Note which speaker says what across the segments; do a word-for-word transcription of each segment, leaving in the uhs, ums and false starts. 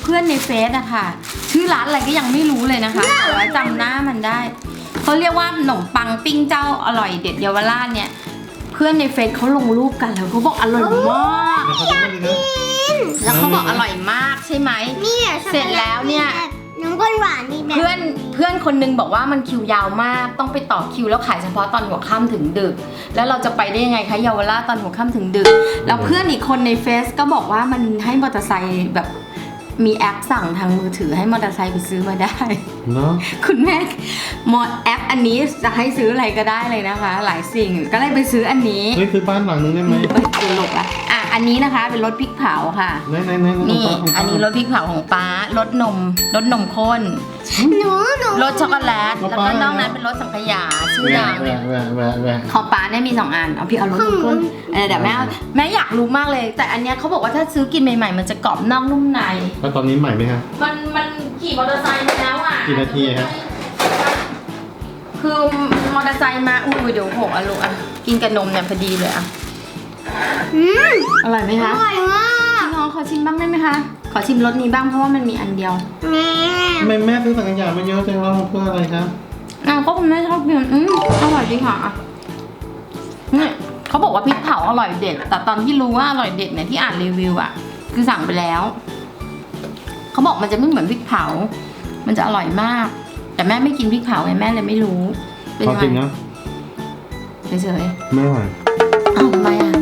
Speaker 1: พื่อนในเฟซอะค่ะชื่อร้านอะไรก็ยังไม่รู้เลยนะคะแต่ว่าจำหน้ามันได้เขาเรียกว่าขนมปังปิ้งเจ้าอร่อยเด็ดเยาวราชเนี่ยเพื่อนในเฟซเขาลงรูปกันแล้วเขาบอกอร่อยมากแล้วเขาบอกอร่อยมากใช่ไหมเสร็จแล้วเนี่ย
Speaker 2: น้ำข้นหวานนี่แบบ
Speaker 1: เพื่อนเพื่อนคนนึงบอกว่ามันคิวยาวมากต้องไปต่อคิวแล้วขายเฉพาะตอนหัวค่ำถึงดึกแล้วเราจะไปได้ยังไงคะเยาวราชตอนหัวค่ำถึงดึกแล้วเพื่อนอีกคนในเฟซก็บอกว่ามันให้มอเตอร์ไซค์แบบมีแอปสั่งทางมือถือให้มอเตอร์ไซค์ไปซื้อมาได้เนาะคุณแม่มอแอปอันนี้จะให้ซื้ออะไรก็ได้เลยนะคะหลายสิ่งก็เลยไปซื้ออันนี้
Speaker 3: เฮ้ยซื้อบ้านหลังนึงได้ไหม
Speaker 1: ตลกอะอ่ะอันนี้นะคะเป็นรสพริกเผาค่ะนี่อันนี้รสพริกเผาของป้ารสนมรสนมข้น
Speaker 2: หนูหนู
Speaker 1: รสช็อกโกแลตแล้วก็นอกนั้นเป็นรสสังขยาชื่อดังเนี่ยของป้าเนี่ยมีสองอันเอาพี่เอารสนมข้นเดี๋ยวแม่แม่อยากรู้มากเลยแต่อันเนี้ยเขาบอกว่าถ้าซื้อกินใหม่ๆมันจะกรอบนอกนุ่มใน
Speaker 3: แล้วตอนนี้ใหม่ไหมครับ
Speaker 1: มันมันขี่มอเตอร์ไซค์มาแล้วอ่ะ
Speaker 3: กี่นาทีครับ
Speaker 1: คือมอเตอร์ไซค์มาอุ้ยเดี๋ยวหกอ่ะลูกอ่ะกินกับนมเนี่ยพอดีเลยอ่ะ
Speaker 2: อืม
Speaker 1: อร่อยไหมคะ
Speaker 2: อร่อยมาก
Speaker 1: น้องขอชิมบ้างได้ไหมคะขอชิมรสนี้บ้างเพราะว่ามันมีอันเดียว
Speaker 2: แม่
Speaker 3: แม่แม่ซื้อสังขยามาเยอะจังแล้วเพื่ออะไรครับ
Speaker 1: อ้าวก็คุณแม่ชอบกินอืมอร่อยดีค่ะนี่เขาบอกว่าพริกเผาอร่อยเด็ดแต่ตอนที่รู้ว่าอร่อยเด็ดเนี่ยที่อ่านรีวิวอ่ะคือสั่งไปแล้วเขาบอกมันจะไม่เหมือนพริกเผามันจะอร่อยมากแต่แม่ไม่กินพริกเผาไงแม่เลยไม่รู้
Speaker 3: เป็นยังไงจริงนะ
Speaker 1: เฉย
Speaker 3: ๆไม่อร่อย
Speaker 1: อ้าวทำไมอ่ะ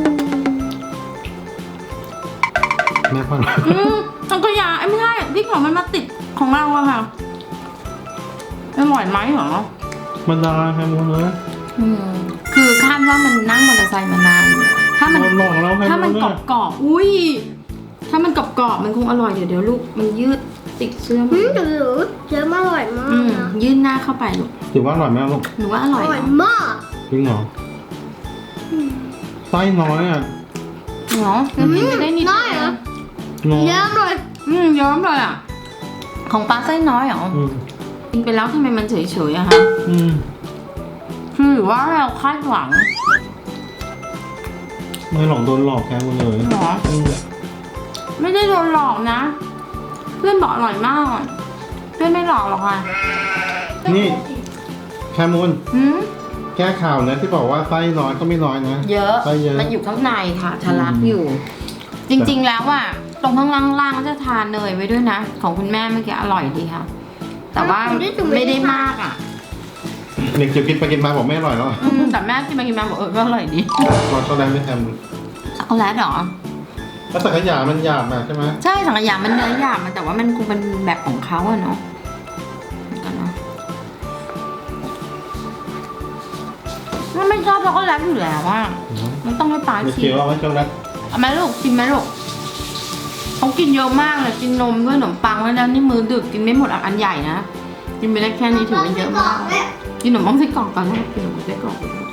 Speaker 3: แม่พัน
Speaker 1: อืมสังขยาไอ้ไม่ใช่พริกเผามันมาติดของเราอะค่ะอร่อยไหมเหรอ
Speaker 3: มันดาแค่หมดเลย
Speaker 1: อืมคือคาดว่ามันนั่งมอเตอร์ไซค์มานานถ้ามันถ้ามันกรอบกรอบอุ้ยถ้ามันกรอบกรอบมันคงอร่อยเดี๋ยวเดี๋ยวลูกมันยืดติดเสื้อ
Speaker 2: อืมหรือเสื้ออร่อยมาก
Speaker 1: ยืดหน้าเข้าไปลูก
Speaker 3: ถือว่าอร่อยไหมลูก
Speaker 1: หนูว่าอร่อย
Speaker 2: อร่อยมาก
Speaker 3: จริงเหรอไส้น้อยอ่ะ
Speaker 1: เหรอแล้วพี่จะได้นิด
Speaker 2: น้อยเหรอเยอะเลย
Speaker 1: อืมเยอะเลยอ่ะของปลาไส้น้อยเหรอกินไปแล้วทำไมมันเฉยๆอะคะ
Speaker 3: อืม
Speaker 1: คือหรือว่าเราคาดหวัง
Speaker 3: ไม่หลอกโดนหลอกแค่หมดเลย
Speaker 1: หรอไม่ได้โดนหลอกนะเพื่อนบอกอร่อยมากเพื่อนไม่หลอกหรอกค่ะ
Speaker 3: นี่แคมูลแก้ข่าวนะที่บอกว่าไส้น้อยก็ไม่น้อยนะ
Speaker 1: เยอะมันอยู่ข้างในค่ะทะลักอยู่จริงๆแล้วอ่ะตรงข้างล่างๆจะทานเนยไว้ด้วยนะของคุณแม่เมื่อกี้อร่อยดีค่ะแต่ว่าไม่ได้มากอ่ะ
Speaker 3: เด็กจะกินไปกินมาบอกไม่อร่อยแล้ว
Speaker 1: แต่แม่กินไปกินมาบอกเออก็อร่อยดี
Speaker 3: เราช็อกโกแลตไม่ท
Speaker 1: ำช็อกโกแลตเหรอ
Speaker 3: แล้วสังขยามันหยาบนะใช่ไหม
Speaker 1: ใช่สังขยามันเนื้อหยาบมันแต่ว่ามันคงเป็นแบบของเขาอะเนาะมันไม่ชอบช็อกโกแลตอยู่แล้วว่ามันต้องให้ปลาชิม
Speaker 3: ไม่เคี้ยวเอาไว้ช็อกโกแลต
Speaker 1: เอาไหมลูกชิมไหมลูกเขากินเยอะมากเลยกินนมด้วยขนมปังแล้วนี่มือดึกกินไม่หมดอันใหญ่นะกินไปได้แค่นี้ถือว่าเยอะมากกินขนมปังไส้กรอกก่อนนะกินขนมปังไส้กรอก